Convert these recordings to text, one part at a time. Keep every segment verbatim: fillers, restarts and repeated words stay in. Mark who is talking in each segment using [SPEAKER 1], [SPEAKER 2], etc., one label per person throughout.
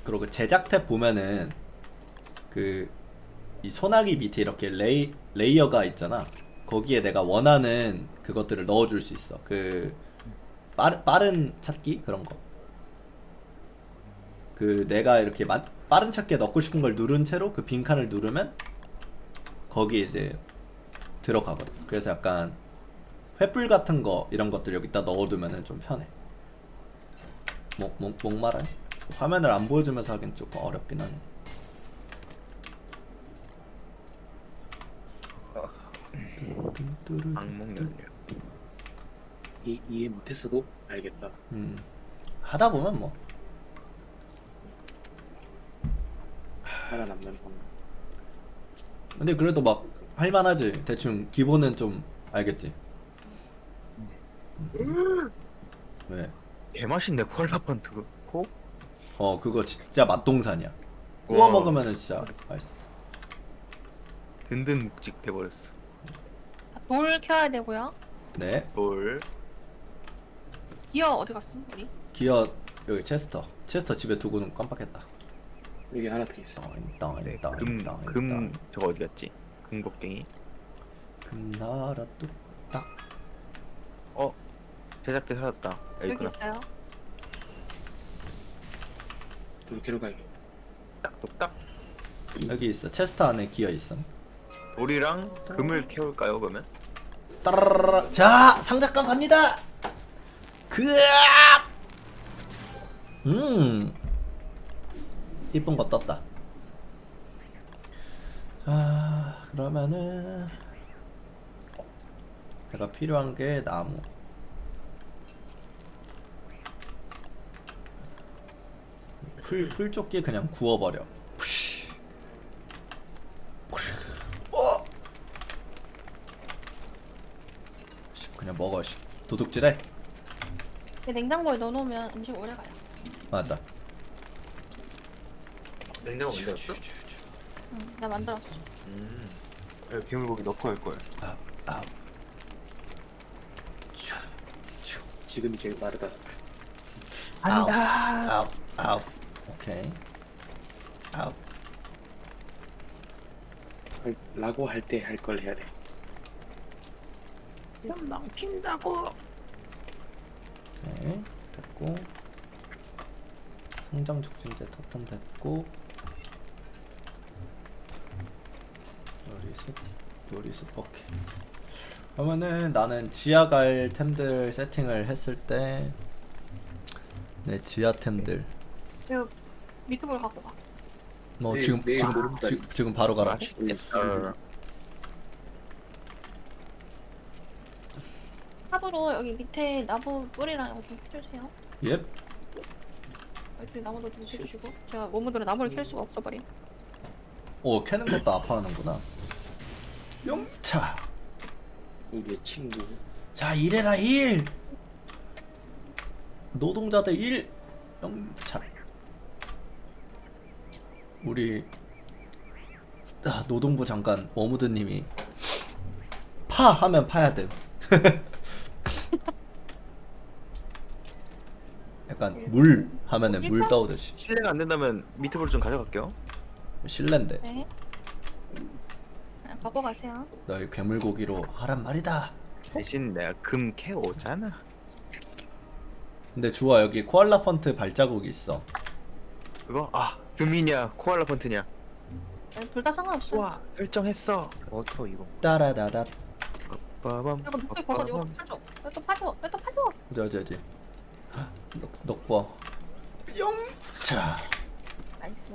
[SPEAKER 1] 그리고 제작 탭 보면은 그 이 소나기 밑에 이렇게 레이 레이어가 있잖아. 거기에 내가 원하는 그것들을 넣어줄 수 있어. 그 빠르, 빠른 찾기 그런 거. 그 내가 이렇게 마, 빠른 찾기에 넣고 싶은 걸 누른 채로 그 빈칸을 누르면 거기에 이제 들어가거든. 그래서 약간 횃불 같은 거 이런 것들 여기다 넣어두면은 좀 편해. 목, 목, 목말아요? 화면을 안 보여주면서 하긴 조금 어렵긴 하네.
[SPEAKER 2] 악몽 연료.
[SPEAKER 3] 이, 이해 못했어도 알겠다.
[SPEAKER 1] 음 하다 보면 뭐
[SPEAKER 3] 살아남는 방.
[SPEAKER 1] 근데 그래도 막 할만하지. 대충 기본은 좀 알겠지. 왜?
[SPEAKER 2] 개맛있네 코알라 펀트 코?
[SPEAKER 1] 어 그거 진짜 맛동산이야. 구워
[SPEAKER 2] 와.
[SPEAKER 1] 먹으면은 진짜 맛있어.
[SPEAKER 2] 든든 묵직 돼버렸어.
[SPEAKER 4] 돌 켜야 되고요.
[SPEAKER 1] 네.
[SPEAKER 2] 돌.
[SPEAKER 4] 기어 어디 갔어? 우리?
[SPEAKER 1] 기어 여기 체스터. 체스터 집에 두고는 깜빡했다.
[SPEAKER 3] 여기 하나 더 있어.
[SPEAKER 1] 땅,
[SPEAKER 2] 네,
[SPEAKER 1] 땅,
[SPEAKER 2] 금,
[SPEAKER 1] 땅,
[SPEAKER 2] 금
[SPEAKER 1] 땅.
[SPEAKER 2] 저거 어디 갔지? 금곡갱이.
[SPEAKER 1] 금나라 뚝딱.
[SPEAKER 2] 어 제작대 살았다. 여기
[SPEAKER 4] 여기
[SPEAKER 2] 있구나.
[SPEAKER 4] 있어요.
[SPEAKER 3] 이렇게로 가야겠다.
[SPEAKER 2] 딱똑딱.
[SPEAKER 1] 여기 있어. 체스터 안에 기어 있어.
[SPEAKER 2] 돌이랑 금을 캐올까요 그러면?
[SPEAKER 1] 따라라라. 자 상작관 갑니다. 그악. 음 이쁜 거 떴다. 아 그러면은 내가 필요한 게 나무. 풀 풀조끼 그냥 구워버려. 푸쉬. 푸쉬. 어. 씨, 그냥 먹어. 씨. 도둑질해.
[SPEAKER 4] 냉장고에 넣어놓으면 음식 오래 가요.
[SPEAKER 1] 맞아.
[SPEAKER 2] 냉장고 만들었어?
[SPEAKER 4] 응, 나 만들었어.
[SPEAKER 2] 음. 괴물고기 넣고 할 걸.
[SPEAKER 1] 아, 아.
[SPEAKER 3] 지금이 제일 빠르다.
[SPEAKER 1] 아우, 아우, 아우. 오케이. 아우.
[SPEAKER 3] 할- 라고 할 때 할 걸 해야 돼.
[SPEAKER 2] 망친다고.
[SPEAKER 1] 오케이. 됐고. 성장 촉진제 터턴 됐고. 요리스, 요리스 버킷. 그러면은 나는 지하 갈 템들 세팅을 했을 때 내 지하 템들
[SPEAKER 4] 이거 미트볼 갖고 가.
[SPEAKER 1] 뭐
[SPEAKER 3] 내일-
[SPEAKER 1] 지금
[SPEAKER 3] 내일
[SPEAKER 1] 지금
[SPEAKER 3] 모른다.
[SPEAKER 1] 지, 지금 바로 가라.
[SPEAKER 2] 맛있겠다.
[SPEAKER 4] 탑으로 여기 밑에 나무 뿌리랑 이거 좀 해주세요.
[SPEAKER 1] 옙.
[SPEAKER 4] 여기 나무도 좀 해주시고. 제가 모모들은 나무를 캘 수가 없어버린.
[SPEAKER 1] 오 캐는 것도 아파하는구나. 용차.
[SPEAKER 3] 우리의 친구.
[SPEAKER 1] 자 일해라 일. 노동자들 일. 영차. 우리 아, 노동부 장관 워무드님이 파 하면 파야 돼. 약간 물 하면은 물 떠오듯이.
[SPEAKER 2] 실례가 안 된다면 미트볼 좀 가져갈게요.
[SPEAKER 1] 실례인데
[SPEAKER 4] 네. 그냥 갖고 가세요.
[SPEAKER 1] 너희 괴물고기로 하란 말이다.
[SPEAKER 2] 대신 내가 금 캐오잖아.
[SPEAKER 1] 근데 주아 여기 코알라 펀트 발자국이 있어.
[SPEAKER 2] 그거? 아 금이냐 코알라 펀트냐?
[SPEAKER 4] 둘 다 상관없어.
[SPEAKER 2] 와 결정했어. 어터 이거.
[SPEAKER 1] 따라다다.
[SPEAKER 2] 빠밤.
[SPEAKER 4] 이거 목소리 버섯 이거 좀 파줘. 이거 또 파줘. 이거 또 파줘.
[SPEAKER 1] 어디 어디 어디. 넉 넉버. 영차.
[SPEAKER 4] 나이스.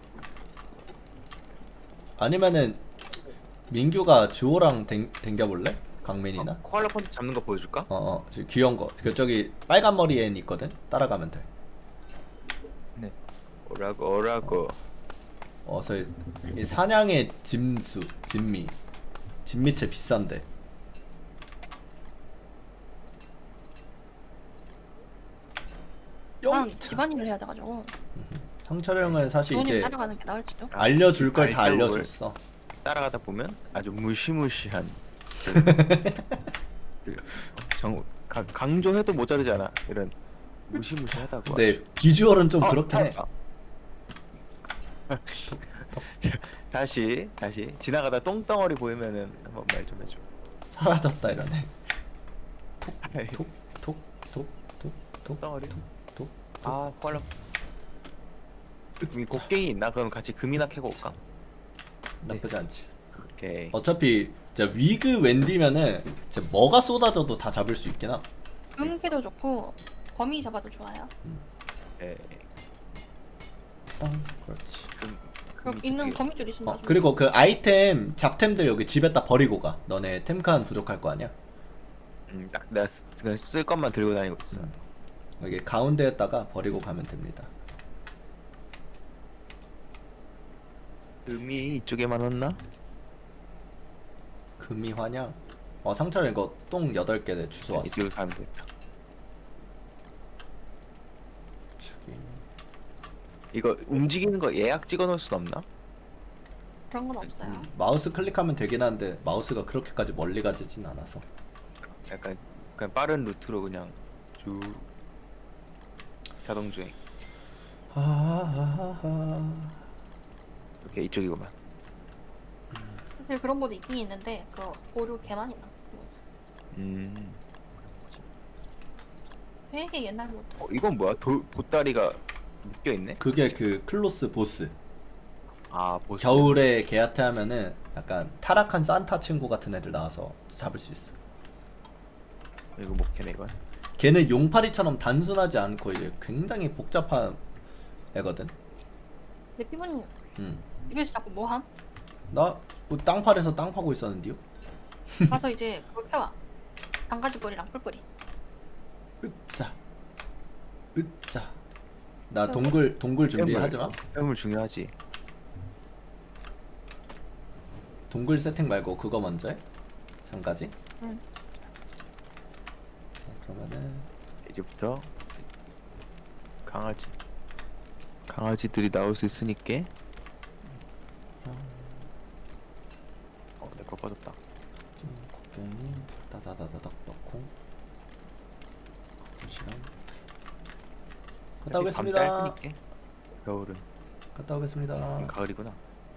[SPEAKER 1] 아니면은 민규가 주호랑 댕, 댕겨볼래? 강민이나?
[SPEAKER 2] 코알라 펀트 잡는 거 보여줄까?
[SPEAKER 1] 어어 저 귀여운 거. 그 저기 빨간 머리 앤 있거든. 따라가면 돼.
[SPEAKER 2] 오라고 오라고.
[SPEAKER 1] 어서 이, 이 사냥의 짐수 진미. 진미채 비싼데.
[SPEAKER 4] 난
[SPEAKER 1] 영차.
[SPEAKER 4] 집안일을 해야 돼가지고.
[SPEAKER 1] 상철 형은 사실
[SPEAKER 4] 부모님
[SPEAKER 1] 이제
[SPEAKER 4] 따라가는 게 나을지도.
[SPEAKER 1] 알려줄 걸 다
[SPEAKER 2] 알죠,
[SPEAKER 1] 알려줬어.
[SPEAKER 2] 따라가다 보면 아주 무시무시한 그 정, 강, 강조해도 모자르지 않아 이런 무시무시하다고.
[SPEAKER 1] 근데 비주얼은 좀
[SPEAKER 2] 어,
[SPEAKER 1] 그렇긴 해.
[SPEAKER 2] 찾았다. 다시 다시 지나가다 똥덩어리 보이면은 한번 말 좀 해줘.
[SPEAKER 1] 사라졌다 이러네.
[SPEAKER 2] 아이,
[SPEAKER 1] 톡톡톡톡톡
[SPEAKER 2] 똥덩어리.
[SPEAKER 1] 톡.
[SPEAKER 2] 아 코알라. 이 곡괭이 있나? 그럼 같이 금이나 캐고 올까?
[SPEAKER 1] 나쁘지 않지.
[SPEAKER 2] 오케이.
[SPEAKER 1] 어차피 진짜 위그 웬디면은 진짜 뭐가 쏟아져도 다 잡을 수 있긴 함.
[SPEAKER 4] 금캐도 좋고 거미 잡아도 좋아요.
[SPEAKER 2] 네.
[SPEAKER 1] 땅 그렇지.
[SPEAKER 2] 금.
[SPEAKER 4] 그럼
[SPEAKER 2] 금이
[SPEAKER 4] 있는
[SPEAKER 2] 저기-
[SPEAKER 4] 거미줄 있으면
[SPEAKER 1] 어
[SPEAKER 4] 나중에
[SPEAKER 1] 그리고 그 아이템 잡템들 여기 집에다 버리고 가. 너네 템칸 부족할 거 아니야?
[SPEAKER 2] 음, 딱 내가 쓰, 그냥 쓸 것만 들고 다니고 있어.
[SPEAKER 1] 음. 여기 가운데에다가 버리고 가면 됩니다.
[SPEAKER 2] 금이 이쪽에만 왔나?
[SPEAKER 1] 금이 환영. 어 상철 이거 똥 여덟 개 내 주소 왔어.
[SPEAKER 2] 이쪽으로 가면 되겠다.
[SPEAKER 1] 저기.
[SPEAKER 2] 이거 움직이는 거 예약 찍어 놓을 순 없나?
[SPEAKER 4] 그런 건 없어요.
[SPEAKER 1] 음, 마우스 클릭하면 되긴 한데 마우스가 그렇게까지 멀리 가지진 않아서.
[SPEAKER 2] 약간 그냥 빠른 루트로 그냥 쭉 자동 주행.
[SPEAKER 1] 하하하.
[SPEAKER 2] 오케이 이쪽이구만.
[SPEAKER 4] 사실 그런 모드 있긴 있는데 그 오류 개많이 나.
[SPEAKER 2] 음.
[SPEAKER 4] 되게 옛날 모드.
[SPEAKER 2] 어, 이건 뭐야? 도, 보따리가 묶여 있네?
[SPEAKER 1] 그게 그 클로스 보스.
[SPEAKER 2] 아 보스.
[SPEAKER 1] 겨울에 개한테 하면은 약간 타락한 산타 친구 같은 애들 나와서 잡을 수 있어.
[SPEAKER 2] 이거 못 캐네 이건.
[SPEAKER 1] 걔는 용파리처럼 단순하지 않고 이게 굉장히 복잡한 애거든.
[SPEAKER 4] 내 피부는
[SPEAKER 1] 음.
[SPEAKER 4] 입에서 자꾸 뭐 함?
[SPEAKER 1] 나뭐 땅팔에서 땅 파고 있었는데요.
[SPEAKER 4] 가서 이제 그거 캐와. 장가지 뿌리랑 뿔뿌리.
[SPEAKER 1] 으짜. 으짜. 나 동굴 동굴 준비하지 마.
[SPEAKER 2] 물 중요하지.
[SPEAKER 1] 동굴 세팅 말고 그거 먼저 해. 잠가지.
[SPEAKER 4] 응.
[SPEAKER 1] 자, 그러면은
[SPEAKER 2] 이제부터 강아지 강아지들이 나올 수 있으니까. 어, 내 거 빠졌다.
[SPEAKER 1] 곡괭이 따다다다닥 넣고 시간 갔다 오겠습니다.
[SPEAKER 2] 짧으니까. 겨울은
[SPEAKER 1] 갔다 오겠습니다.
[SPEAKER 2] 가을이구나.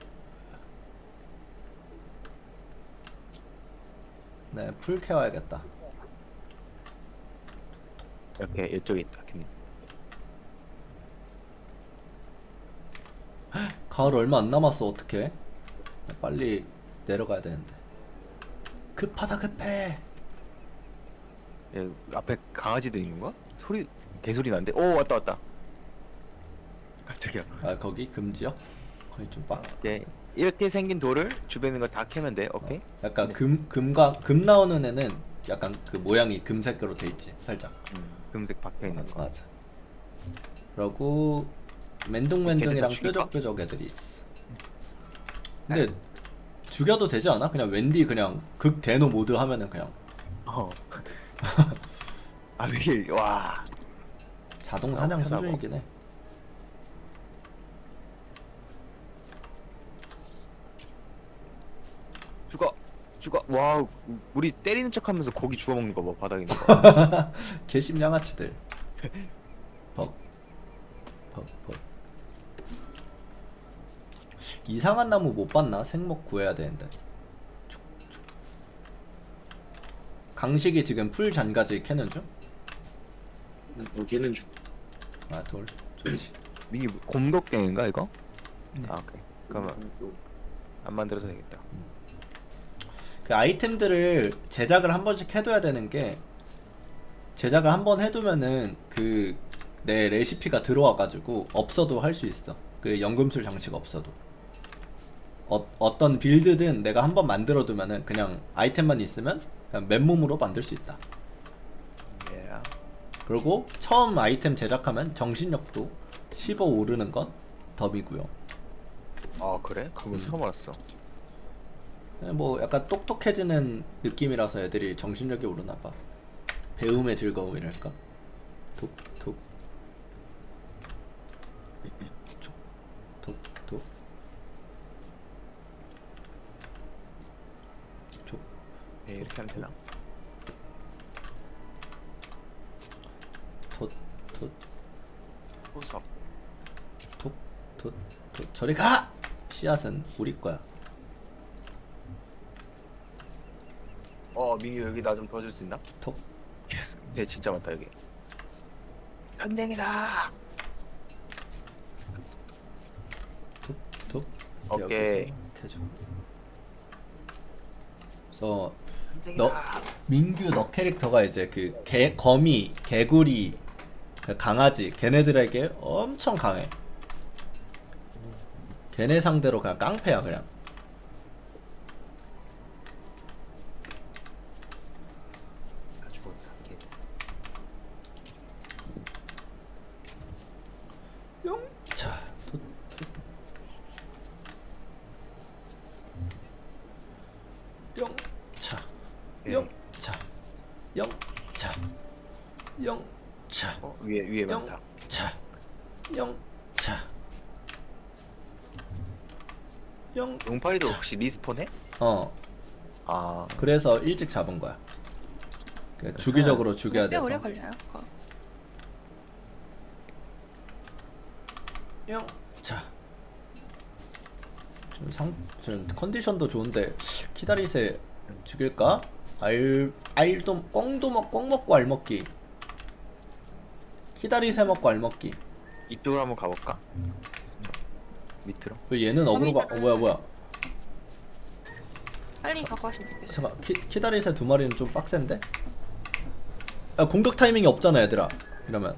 [SPEAKER 1] 네, 풀 캐와야겠다.
[SPEAKER 2] 이렇게 이쪽에 있다. 캔.
[SPEAKER 1] 가을 얼마 안 남았어. 어떡해? 빨리 내려가야 되는데. 급하다 급해.
[SPEAKER 2] 예, 앞에 강아지들 있는 거야? 소리 개소리 나는데? 오 왔다 왔다. 깜짝이야.
[SPEAKER 1] 아 거기 금지요? 거기 좀 빡.
[SPEAKER 2] 예, 이렇게 생긴 돌을 주변에 있는 거 다 캐면 돼. 오케이.
[SPEAKER 1] 약간 금 금과 금 나오는 애는 약간 그 모양이 금색으로 돼 있지. 살짝.
[SPEAKER 2] 음, 금색 박혀 있는 거.
[SPEAKER 1] 맞아. 그러고 맨둥맨둥이랑
[SPEAKER 2] 걔들 다 죽일까?
[SPEAKER 1] 뾰족뾰족 애들이 있어. 근데 죽여도 되지 않아? 그냥 웬디 그냥 극 대노 모드 하면은 그냥
[SPEAKER 2] 어. 아 이게 와.
[SPEAKER 1] 자동 사냥
[SPEAKER 2] 아, 편하고.
[SPEAKER 1] 수준이긴 해.
[SPEAKER 2] 죽어. 죽어. 와, 우리 때리는 척하면서 고기 주워 먹는 거 봐. 바닥에 있는 거.
[SPEAKER 1] 개심 양아치들. 벅. 벅, 벅. 이상한 나무 못 봤나? 생목 구해야 되는데. 촉, 촉. 강식이 지금 풀 잔가지 캐는 중?
[SPEAKER 3] 난 여기는 중.
[SPEAKER 1] 아, 돌. 좋지.
[SPEAKER 2] 이게 곰독갱인가 이거? 아 오케이. 그러면
[SPEAKER 3] 요-
[SPEAKER 2] 안 만들어서 되겠다.
[SPEAKER 1] 그 아이템들을 제작을 한 번씩 해둬야 되는 게 제작을 한 번 해두면은 그 내 레시피가 들어와가지고 없어도 할 수 있어. 그 연금술 장치가 없어도. 어, 어떤 빌드든 내가 한 번 만들어두면은 그냥 아이템만 있으면 그냥 맨몸으로 만들 수 있다.
[SPEAKER 2] 예.
[SPEAKER 1] 그리고 처음 아이템 제작하면 정신력도 십오 오르는 건 덤이고요.
[SPEAKER 2] 아 그래? 그건
[SPEAKER 1] 음.
[SPEAKER 2] 처음 알았어.
[SPEAKER 1] 그냥 뭐 약간 똑똑해지는 느낌이라서 애들이 정신력이 오르나봐. 배움의 즐거움이랄까. 톡톡 톡톡 촉
[SPEAKER 2] 네, 이렇게 하면 되나?
[SPEAKER 1] 톳 톳
[SPEAKER 2] 호석.
[SPEAKER 1] 톡 도, 도, 저리 가! 씨앗은 우리 거야.
[SPEAKER 2] 어 민규 여기 나 좀 도와줄 수 있나?
[SPEAKER 1] 톡.
[SPEAKER 2] 예스. 네 진짜 많다 여기. 현댕이다.
[SPEAKER 1] 톡.
[SPEAKER 2] 오케이.
[SPEAKER 1] 이렇게 해줘. 그래서
[SPEAKER 2] 현댕이다.
[SPEAKER 1] 너 민규 너 캐릭터가 이제 그 개 거미, 개구리, 그 강아지 걔네들에게 엄청 강해. 걔네 상대로 그냥 깡패야 그냥.
[SPEAKER 2] 아 죽었다. 걔.
[SPEAKER 1] 자, 도, 도. 영차,
[SPEAKER 2] 예.
[SPEAKER 1] 영차, 영차, 영차,
[SPEAKER 2] 어 위에 위에 많다.
[SPEAKER 1] 영차, 영차, 영.
[SPEAKER 2] 용팔이도 혹시 리스폰해?
[SPEAKER 1] 어,
[SPEAKER 2] 아
[SPEAKER 1] 그래서 일찍 잡은 거야. 그 주기적으로 죽여야
[SPEAKER 4] 꽤 오래
[SPEAKER 1] 돼서.
[SPEAKER 4] 걸려요. 그거.
[SPEAKER 1] 영차. 좀 상, 좀 컨디션도 좋은데 키다리세 죽일까? 알, 알도 꽁도 먹, 꽁 먹고 알 먹기. 키다리세 먹고 알 먹기.
[SPEAKER 2] 이쪽으로 한번 가볼까? 밑으로.
[SPEAKER 1] 왜 얘는 어그로가 어, 뭐야 뭐야?
[SPEAKER 4] 빨리 갖고 왔으면 좋겠어.
[SPEAKER 1] 잠깐 키 키다리세 두 마리는 좀 빡센데? 야 공격 타이밍이 없잖아 얘들아. 이러면.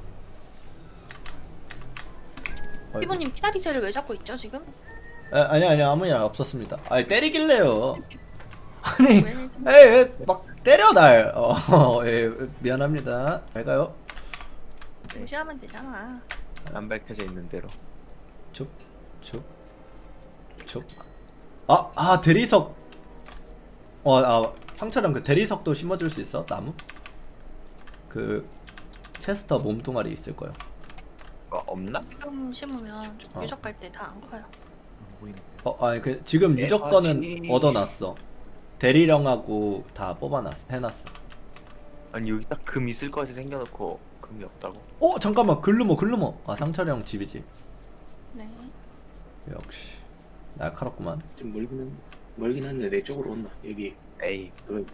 [SPEAKER 1] 아이고.
[SPEAKER 4] 피부님 피다리새를 왜 잡고 있죠 지금?
[SPEAKER 1] 아, 아니 아니 아무 일 없었습니다. 아니 때리길래요. 아니
[SPEAKER 4] 왜?
[SPEAKER 1] 에이 막 때려 날. 어, 예, 미안합니다. 잘 가요.
[SPEAKER 4] 무시하면 되잖아.
[SPEAKER 2] 안 밝혀져 있는 대로.
[SPEAKER 1] 촉, 촉, 촉. 아, 아 대리석. 어, 아 상처럼 그 대리석도 심어줄 수 있어? 나무? 그 체스터 몸뚱아리 있을 거요.
[SPEAKER 2] 어 없나?
[SPEAKER 4] 지금 심으면
[SPEAKER 1] 어.
[SPEAKER 4] 유적 갈 때 다 안 커요.
[SPEAKER 1] 어, 아니 그 지금
[SPEAKER 2] 네,
[SPEAKER 1] 유적 거는
[SPEAKER 2] 맞지.
[SPEAKER 1] 얻어놨어. 대리령하고 다 뽑아놨어, 해놨어.
[SPEAKER 2] 아니 여기 딱 금 있을 것 같이 생겨놓고 금이 없다고?
[SPEAKER 1] 어, 잠깐만 글루머, 글루머. 아 상철형 집이지.
[SPEAKER 4] 네.
[SPEAKER 1] 역시 날카롭구만.
[SPEAKER 3] 좀 멀긴 한 멀긴 한데 내 쪽으로 온다. 여기
[SPEAKER 2] 에이
[SPEAKER 3] 그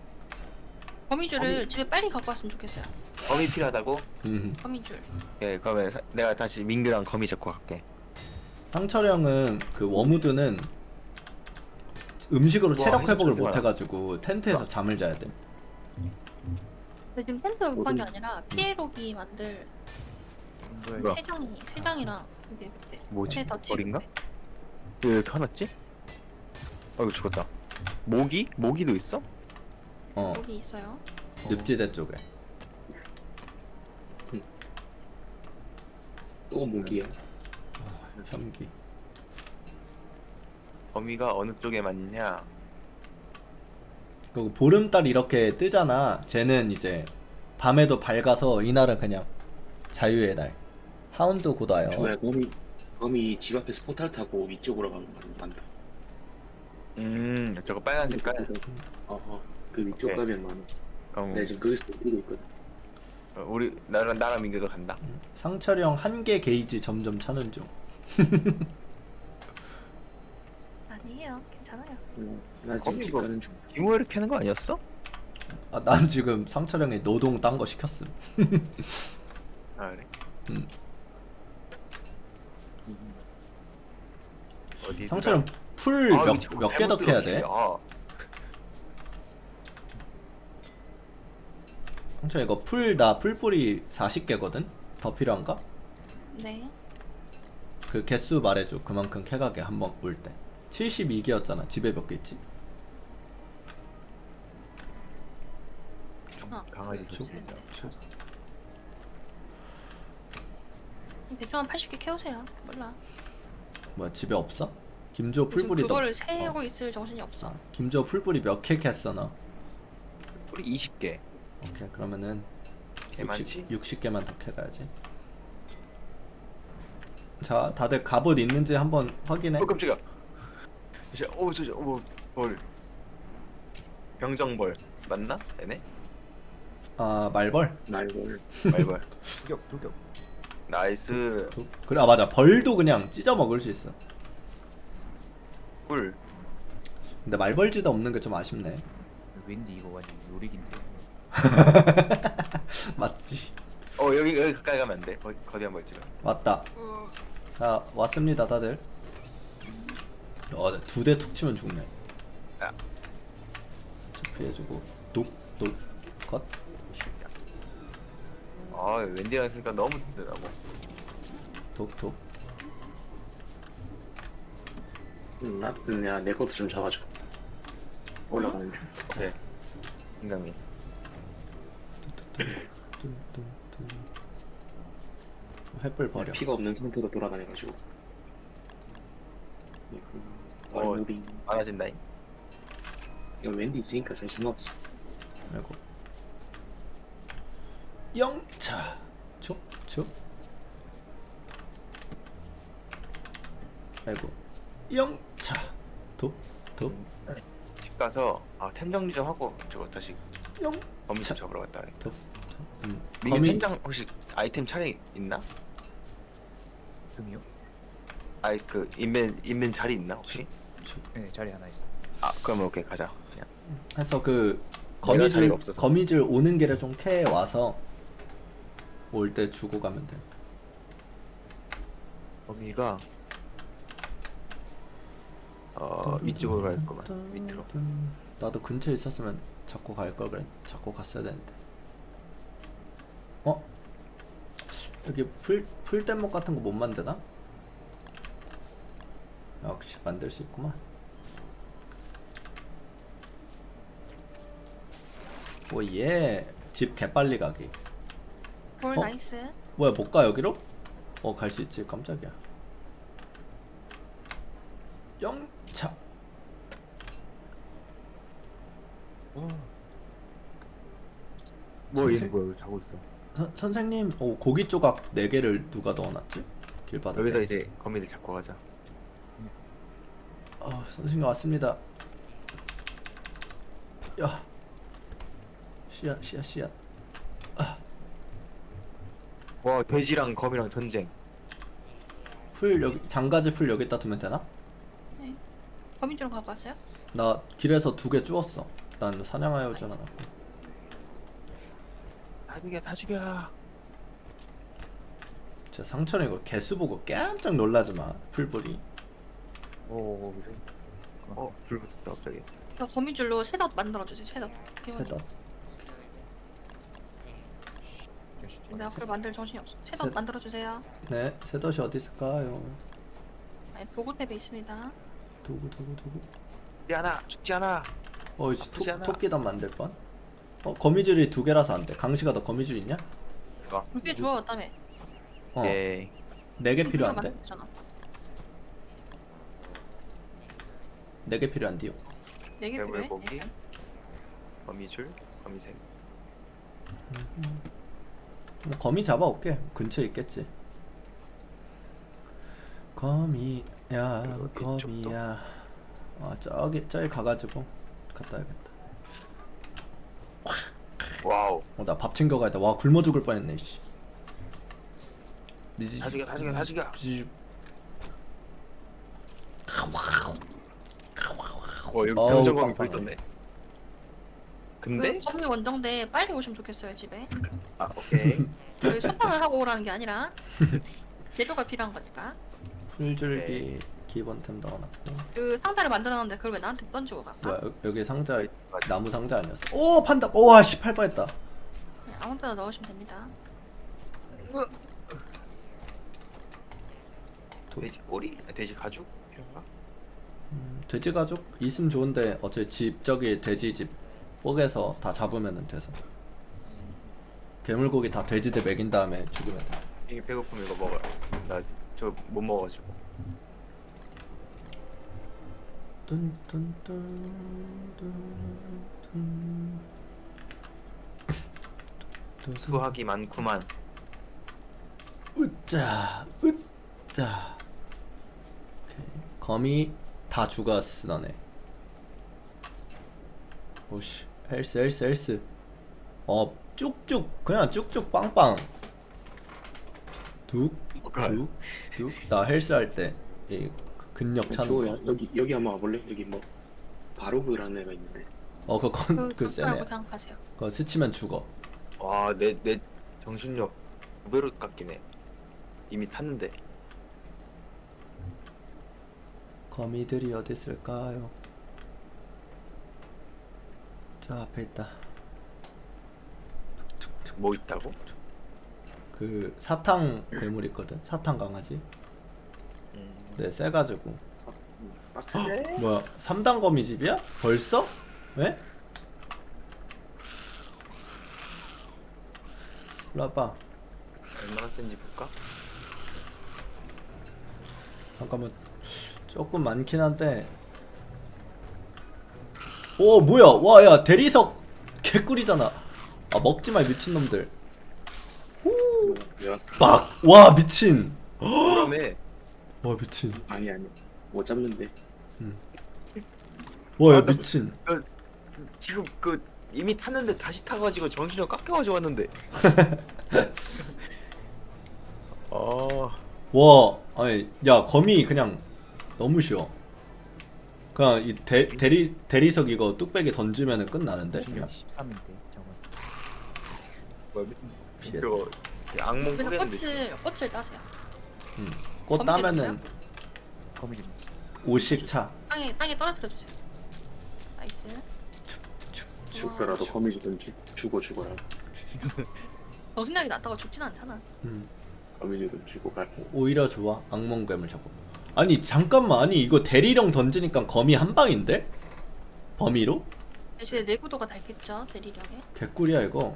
[SPEAKER 4] 거미줄을 집에 빨리 갖고 왔으면 좋겠어요.
[SPEAKER 2] 검이 필요하다고?
[SPEAKER 1] 음.
[SPEAKER 4] 거미줄.
[SPEAKER 2] 예 그러면 사, 내가 다시 민규랑 검이 잡고 갈게.
[SPEAKER 1] 상철형은 그 워무드는 음식으로
[SPEAKER 2] 와,
[SPEAKER 1] 체력
[SPEAKER 2] 이거
[SPEAKER 1] 회복을
[SPEAKER 2] 좀
[SPEAKER 1] 못
[SPEAKER 2] 봐라.
[SPEAKER 1] 해가지고 텐트에서
[SPEAKER 2] 와.
[SPEAKER 1] 잠을 자야 돼.
[SPEAKER 4] 근데 지금 텐트가 급한 게
[SPEAKER 3] 어디-
[SPEAKER 4] 아니라 피에로기 만들
[SPEAKER 2] 뭐야?
[SPEAKER 4] 세 장이 세 장이랑 이게 네.
[SPEAKER 2] 뭐지?
[SPEAKER 4] 네, 더
[SPEAKER 2] 어린가?
[SPEAKER 4] 찍은데.
[SPEAKER 2] 왜 이렇게 화났지? 어 이거 죽었다. 모기? 모기도 있어?
[SPEAKER 1] 어,
[SPEAKER 4] 여기 있어요.
[SPEAKER 1] 늪지대 쪽에.
[SPEAKER 3] 또 모기야.
[SPEAKER 1] 현기.
[SPEAKER 2] 거미가 어느 쪽에 맞냐?
[SPEAKER 1] 그리고 보름달 이렇게 뜨잖아. 쟤는 이제 밤에도 밝아서 이날은 그냥 자유의 날. 하운드 곧 와요.
[SPEAKER 3] 좋아요. 범이 범이 집 앞에서 포탈 타고 위쪽으로 가는 간다.
[SPEAKER 2] 음 저거 빨간 색깔?
[SPEAKER 3] 어허. 그 위쪽
[SPEAKER 2] 오케이.
[SPEAKER 3] 가면 많아.
[SPEAKER 2] 그럼
[SPEAKER 3] 내가 지금 거기서 뛰고 있거든.
[SPEAKER 2] 어, 우리 나랑 나랑 민규도 간다.
[SPEAKER 1] 상철형 한 개 게이지 점점 차는 중.
[SPEAKER 4] 아니에요. 괜찮아요.
[SPEAKER 3] 응. 나 지금
[SPEAKER 2] 거미
[SPEAKER 3] 집
[SPEAKER 2] 이거-
[SPEAKER 3] 가는 중.
[SPEAKER 2] 기모를 캐는 거 아니었어?
[SPEAKER 1] 아, 난 지금 상철형의 노동 딴 거 시켰음.
[SPEAKER 2] 아 그래.
[SPEAKER 1] 음.
[SPEAKER 2] 어디?
[SPEAKER 1] 상철형 풀 몇 몇 개 더 캐야 돼?
[SPEAKER 2] 아,
[SPEAKER 1] 상철 이거 풀 나 풀뿌리 사십 개거든? 더 필요한가?
[SPEAKER 4] 네.
[SPEAKER 1] 그 개수 말해줘. 그만큼 캐가게 한 번 올 때. 칠십이 개였잖아. 집에 몇 개 있지?
[SPEAKER 4] 어.
[SPEAKER 2] 강아지
[SPEAKER 1] 쭉,
[SPEAKER 2] 소리.
[SPEAKER 1] 쭉.
[SPEAKER 4] 대충 한 팔십 개 캐오세요. 몰라.
[SPEAKER 1] 뭐야 집에 없어? 김조
[SPEAKER 4] 지금
[SPEAKER 1] 풀뿌리 너.
[SPEAKER 4] 그거를 세고 있을 정신이 없어.
[SPEAKER 1] 아, 김조 풀뿌리 몇 개 캤어 너?
[SPEAKER 2] 우리 이십 개.
[SPEAKER 1] 오케이 그러면은
[SPEAKER 2] 개 많지?
[SPEAKER 1] 육십 개만 더 캐가야지. 자 다들 갑옷 있는지 한번 확인해.
[SPEAKER 2] 어 깜짝이야. 저, 오 저저 오 벌. 병정벌 맞나? 얘네?
[SPEAKER 1] 아 말벌.
[SPEAKER 3] 말벌.
[SPEAKER 2] 말벌. 돌격 돌격. 나이스.
[SPEAKER 1] 툭. 그래 아 맞아 벌도 그냥 찢어 먹을 수 있어.
[SPEAKER 2] 꿀.
[SPEAKER 1] 근데 말벌지도 없는 게 좀 아쉽네.
[SPEAKER 5] 왠지 이거 완전 요리긴데.
[SPEAKER 1] 맞지.
[SPEAKER 2] 어 여기 여기 가까이 가면 안 돼. 거, 거대한 벌집은.
[SPEAKER 1] 왔다. 자 왔습니다 다들. 어두 대 툭 치면 죽네.
[SPEAKER 2] 야.
[SPEAKER 1] 자, 피해주고 뚝뚝 컷.
[SPEAKER 2] 아 웬디랑 있으니까 너무 든든하고.
[SPEAKER 1] 톡톡.
[SPEAKER 3] 음, 나 그냥 내 것도 좀 잡아줘. 올라가는 중.
[SPEAKER 2] 오케이. 인강민.
[SPEAKER 1] 뚱뚱뚱. 횃불 버려.
[SPEAKER 3] 피가 없는 상태로 돌아다녀가지고.
[SPEAKER 2] 어.
[SPEAKER 3] 어, 무빙.
[SPEAKER 2] 많아진다잉.
[SPEAKER 3] 이거 웬디 있으니까 자신 없어.
[SPEAKER 1] 아이고. 영차. 촉촉. 아이고. 영차. 돕돕.
[SPEAKER 2] 집 가서 아템 정리 좀 하고 저거 다시
[SPEAKER 1] 영.
[SPEAKER 2] 거미
[SPEAKER 1] 차.
[SPEAKER 2] 좀 잡으러 갔다.
[SPEAKER 1] 돕. 음.
[SPEAKER 2] 미니
[SPEAKER 1] 거미
[SPEAKER 2] 팀장 혹시 아이템 차례 있나?
[SPEAKER 5] 금이요?
[SPEAKER 2] 아이 그 있는 있는 자리 있나 혹시?
[SPEAKER 5] 네 자리 하나 있어.
[SPEAKER 2] 아 그러면 오케이 가자. 그냥.
[SPEAKER 1] 해서 그
[SPEAKER 2] 내가
[SPEAKER 1] 거미줄
[SPEAKER 2] 자리가 없어서.
[SPEAKER 1] 거미줄 오는 길에 좀 캐 와서 올 때 주고 가면 돼.
[SPEAKER 2] 거미가 어 위쪽으로 갈 거만 밑으로.
[SPEAKER 1] 나도 근처에 있었으면 잡고 갈 걸 그래. 잡고 갔어야 되는데. 어? 여기 풀 풀뗏목 같은 거 못 만드나? 역시 만들 수 있구만. 오예. 집 개빨리 가기.
[SPEAKER 4] 볼
[SPEAKER 1] 어?
[SPEAKER 4] 나이스.
[SPEAKER 1] 뭐야 못 가 여기로? 어 갈 수 있지. 깜짝이야. 영차.
[SPEAKER 5] 뭐
[SPEAKER 1] 선생-
[SPEAKER 5] 얘는 뭐야 자고 있어.
[SPEAKER 1] 선, 선생님, 오, 고기 조각 네 개를 누가 넣어놨지? 길바닥에.
[SPEAKER 2] 여기서 이제 거미들 잡고 가자.
[SPEAKER 1] 어, 선생님 왔습니다. 야, 씨앗, 씨앗, 씨앗.
[SPEAKER 2] 와 돼지랑 거미랑 전쟁.
[SPEAKER 1] 풀 여기 장가지 풀 여기다 두면 되나?
[SPEAKER 4] 네. 거미줄 갖고 왔어요?
[SPEAKER 1] 나 길에서 두 개 주웠어. 난 사냥하여 오진 않았고.
[SPEAKER 2] 다 죽여 다 죽여.
[SPEAKER 1] 제 상처는 이거 개수 보고 깜짝 놀라지 마. 풀불이.
[SPEAKER 5] 오 그래.
[SPEAKER 2] 어불 붙었다 갑자기.
[SPEAKER 4] 저 거미줄로 셋업 만들어주세요. 셋업.
[SPEAKER 1] 세다.
[SPEAKER 4] 내가 그걸 만들 정신이 없어. 셋업
[SPEAKER 1] 셋.
[SPEAKER 4] 만들어주세요.
[SPEAKER 1] 네, 세덧이 어디 있을까요?
[SPEAKER 4] 네, 도구 탭에 있습니다.
[SPEAKER 1] 도구, 도구, 도구.
[SPEAKER 2] 죽지 않아 죽지 않아.
[SPEAKER 1] 어이씨,
[SPEAKER 2] 아프지 않아.
[SPEAKER 1] 토끼단 만들 뻔. 어, 거미줄이 두 개라서 안 돼. 강시가 너 거미줄 있냐?
[SPEAKER 2] 이거.
[SPEAKER 4] 물개 주워 왔다며.
[SPEAKER 1] 어,
[SPEAKER 2] 에이.
[SPEAKER 1] 네 개 필요한데?
[SPEAKER 4] 만들었잖아.
[SPEAKER 1] 네 개 필요한데요.
[SPEAKER 4] 네개
[SPEAKER 2] 괴물
[SPEAKER 4] 필요해?
[SPEAKER 2] 고기.
[SPEAKER 4] 네.
[SPEAKER 2] 거미줄 거미색.
[SPEAKER 1] 뭐 거미 잡아올게. 근처에 있겠지. 거미야,
[SPEAKER 2] 그리고
[SPEAKER 1] 거미야. 아 저기 저기 가가지고 갔다 와야겠다.
[SPEAKER 2] 와우.
[SPEAKER 1] 어, 나 밥 챙겨가야 돼. 와 굶어 죽을 뻔했네. 씨. 미지.
[SPEAKER 2] 다 죽여 다 죽여 다 죽여.
[SPEAKER 1] 미지.
[SPEAKER 2] 어 여기
[SPEAKER 1] 어우,
[SPEAKER 2] 병정검이 더
[SPEAKER 1] 빵빵하네.
[SPEAKER 2] 있었네. 근데?
[SPEAKER 4] 그 거미 원정대 빨리 오시면 좋겠어요 집에.
[SPEAKER 2] 아 오케이.
[SPEAKER 4] 여기 소탕을 하고 오라는 게 아니라 재료가 필요한 거니까.
[SPEAKER 1] 풀줄기
[SPEAKER 2] 네.
[SPEAKER 1] 기본템 넣어놨고.
[SPEAKER 4] 그 상자를 만들어놨는데 그걸 왜 나한테 던지고 갈까?
[SPEAKER 1] 뭐야 여- 여기 상자 나무 상자 아니었어? 오 판다. 오와 씨 팔 뻔했다.
[SPEAKER 4] 네, 아무 데나 넣으시면 됩니다.
[SPEAKER 2] 돼지 꼬리? 아, 돼지 가죽? 필요한가?
[SPEAKER 1] 음, 돼지 가죽 있으면 좋은데 어차피 집 저기 돼지 집 뽀개서 다 잡으면 돼서 괴물고기 다 돼지들 먹인 다음에 죽으면 돼.
[SPEAKER 2] 이게 배고프면 이거 먹어요. 나 저 못 먹어가지고. 수학이 많구만.
[SPEAKER 1] 으짜 으짜. 오케이. 거미 다 죽었어 너네. 오씨 헬스 헬스 헬스. 어 쭉쭉 그냥 쭉쭉 빵빵. 둑둑둑나 헬스 할 때 이 근력 차는
[SPEAKER 3] 주호야
[SPEAKER 1] 거.
[SPEAKER 3] 여기 여기 한번 와볼래? 여기 뭐 바로그라는 애가 있는데.
[SPEAKER 1] 어 그거 건,
[SPEAKER 4] 그,
[SPEAKER 1] 그
[SPEAKER 4] 그
[SPEAKER 1] 세네.
[SPEAKER 4] 그냥 가세요.
[SPEAKER 1] 그거 스치면 죽어.
[SPEAKER 2] 와내 내 정신력 두 배로 깎이네. 이미 탔는데.
[SPEAKER 1] 거미들이 어디 있을까요? 저 앞에 있다.
[SPEAKER 2] 뭐 있다고?
[SPEAKER 1] 그 사탕 괴물 있거든. 사탕 강아지.
[SPEAKER 2] 음.
[SPEAKER 1] 네, 세가지고.
[SPEAKER 3] 빡세?
[SPEAKER 1] 뭐야? 삼 단 거미집이야? 벌써? 왜? 일로 와봐.
[SPEAKER 2] 얼마나 센지 볼까?
[SPEAKER 1] 잠깐만. 조금 많긴 한데. 오 뭐야? 와 야 대리석 개꿀이잖아. 아 먹지마 미친놈들.
[SPEAKER 3] 왜 왔어?
[SPEAKER 1] 막! 와 미친.
[SPEAKER 2] 그러네.
[SPEAKER 1] 와 미친.
[SPEAKER 3] 아니 아니 못 잡는데.
[SPEAKER 1] 와 야
[SPEAKER 2] 아, 나-
[SPEAKER 1] 미친.
[SPEAKER 2] 지금 그 이미 탔는데 다시 타가지고 정신력 깎여가지고 왔는데. 어.
[SPEAKER 1] 와 아니 야 거미 그냥 너무 쉬워. 그냥 이 대, 대리 대리석 이거 뚝배기 던지면은 끝나는데. 그냥.
[SPEAKER 5] 십삼인데 저거.
[SPEAKER 2] 뭐야? 저 악몽
[SPEAKER 4] 그래서
[SPEAKER 2] 꾸겠는데.
[SPEAKER 4] 꽃을 꽃을 따세요.
[SPEAKER 1] 음. 꽃
[SPEAKER 4] 거미
[SPEAKER 1] 따면은
[SPEAKER 5] 거미 좀.
[SPEAKER 1] 오십 차.
[SPEAKER 4] 땅에 땅에 떨어뜨려 주세요. 나이스.
[SPEAKER 3] 죽더라도 거미 주든 주, 죽어 죽어라.
[SPEAKER 4] 정신력이 낮다고 죽진 않잖아.
[SPEAKER 1] 음.
[SPEAKER 3] 거미 주든 죽고 갈.
[SPEAKER 1] 오히려 좋아. 악몽 괴물 잡고. 아니 잠깐만 아니 이거 대리령 던지니까 거미 한 방인데? 범위로?
[SPEAKER 4] 대신에 내구도가 닳겠죠 대리력에.
[SPEAKER 1] 개꿀이야 이거.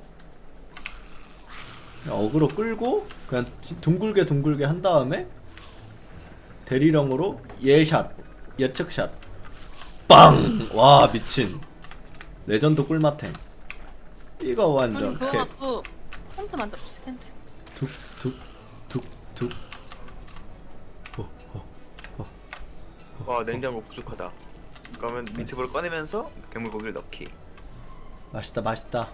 [SPEAKER 1] 그냥 어그로 끌고 그냥 지- 둥글게 둥글게 한 다음에 대리령으로 예샷 예측샷 빵! 와 미친 레전드 꿀맛템. 이거 완전
[SPEAKER 4] 그럼 그거
[SPEAKER 1] 개
[SPEAKER 4] 갖고 텐트 만들어 주세요 텐트.
[SPEAKER 1] 툭툭툭툭. 어, 어.
[SPEAKER 2] 와 냉장고 부족하다. 그러면 미트볼 꺼내면서 괴물 고기를 넣기.
[SPEAKER 1] 맛있다 맛있다.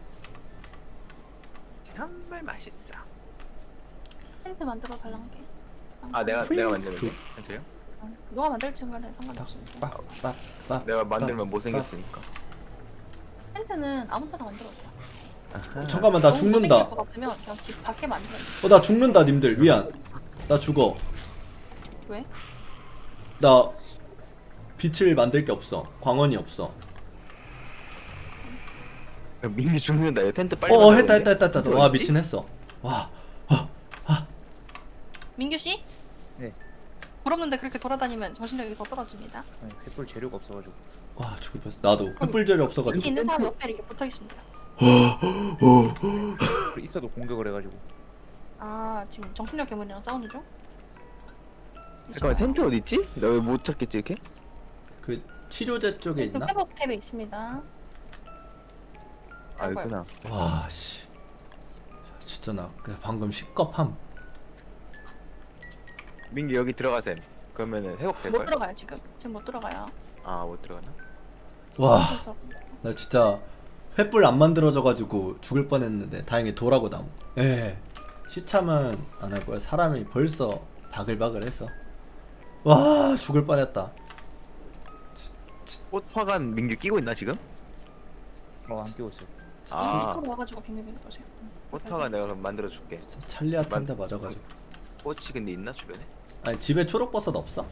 [SPEAKER 2] 정말 맛있어.
[SPEAKER 4] 텐트 만들어 달라는 게.
[SPEAKER 2] 아 내가 내가 만드는 게? 괜찮아요?
[SPEAKER 4] 어, 누가 만들지 간에 상관없습니다.
[SPEAKER 1] 빡빡빡.
[SPEAKER 2] 내가 만들면 못생겼으니까.
[SPEAKER 4] 텐트는 아무 데나 만들어도 돼요.
[SPEAKER 1] 잠깐만 나
[SPEAKER 4] 너무
[SPEAKER 1] 죽는다.
[SPEAKER 4] 못생길 것 같으면 그냥 집 밖에 만들어요.
[SPEAKER 1] 어 나 죽는다 님들 미안. 나 죽어.
[SPEAKER 4] 왜?
[SPEAKER 1] 나 빛을 만들 게 없어. 광원이 없어.
[SPEAKER 2] 야, 민기 죽는다. 야, 텐트 빨리.
[SPEAKER 1] 어
[SPEAKER 2] 만들어야
[SPEAKER 1] 했다 했다
[SPEAKER 2] 돼.
[SPEAKER 1] 했다 했다.
[SPEAKER 2] 텐트
[SPEAKER 1] 와
[SPEAKER 2] 어딨지?
[SPEAKER 1] 미친 했어. 와.
[SPEAKER 4] 민규 씨?
[SPEAKER 5] 네.
[SPEAKER 4] 부럽는데 그렇게 돌아다니면 정신력이 더 떨어집니다.
[SPEAKER 5] 아니 횃불 재료가 없어가지고.
[SPEAKER 1] 와 죽을 뻔했어. 나도 횃불 재료
[SPEAKER 4] 빛이
[SPEAKER 1] 없어가지고.
[SPEAKER 4] 있는 사람 옆에 이렇게 붙어 있습니다.
[SPEAKER 5] 있어도 공격을 해가지고.
[SPEAKER 4] 아 지금 정신력 괴물이랑 싸우는 중?
[SPEAKER 2] 잠깐만 텐트 어디 있지? 나 왜 못 찾겠지 이렇게?
[SPEAKER 1] 그 치료제 쪽에
[SPEAKER 4] 그
[SPEAKER 1] 있나?
[SPEAKER 4] 회복 탭에 있습니다.
[SPEAKER 2] 아 있구나.
[SPEAKER 1] 와 씨. 진짜 나 그냥 방금 시겁함.
[SPEAKER 2] 민기 여기 들어가셈. 그러면은 회복될
[SPEAKER 4] 못
[SPEAKER 2] 걸?
[SPEAKER 4] 들어가요 지금. 지금 못 들어가요.
[SPEAKER 2] 아못 들어가나?
[SPEAKER 1] 와.
[SPEAKER 4] 그래서
[SPEAKER 1] 나 진짜 횃불 안 만들어져가지고 죽을 뻔했는데 다행히 돌하고 나무. 예. 시참은 안 할 거야. 사람이 벌써 바글바글해서. 와 죽을 뻔했다.
[SPEAKER 2] 꽃화관 민기 끼고 있나 지금?
[SPEAKER 5] 어안 끼웠어.
[SPEAKER 2] 아.
[SPEAKER 4] 지금 와가지고 빙글빙글 거세요.
[SPEAKER 2] 꽃화관 내가 그럼 만들어 줄게.
[SPEAKER 1] 진짜 찰리아탄데 맞아가지고.
[SPEAKER 2] 꽃이 근데 있나 주변에?
[SPEAKER 1] 아니 집에 초록버섯 없어?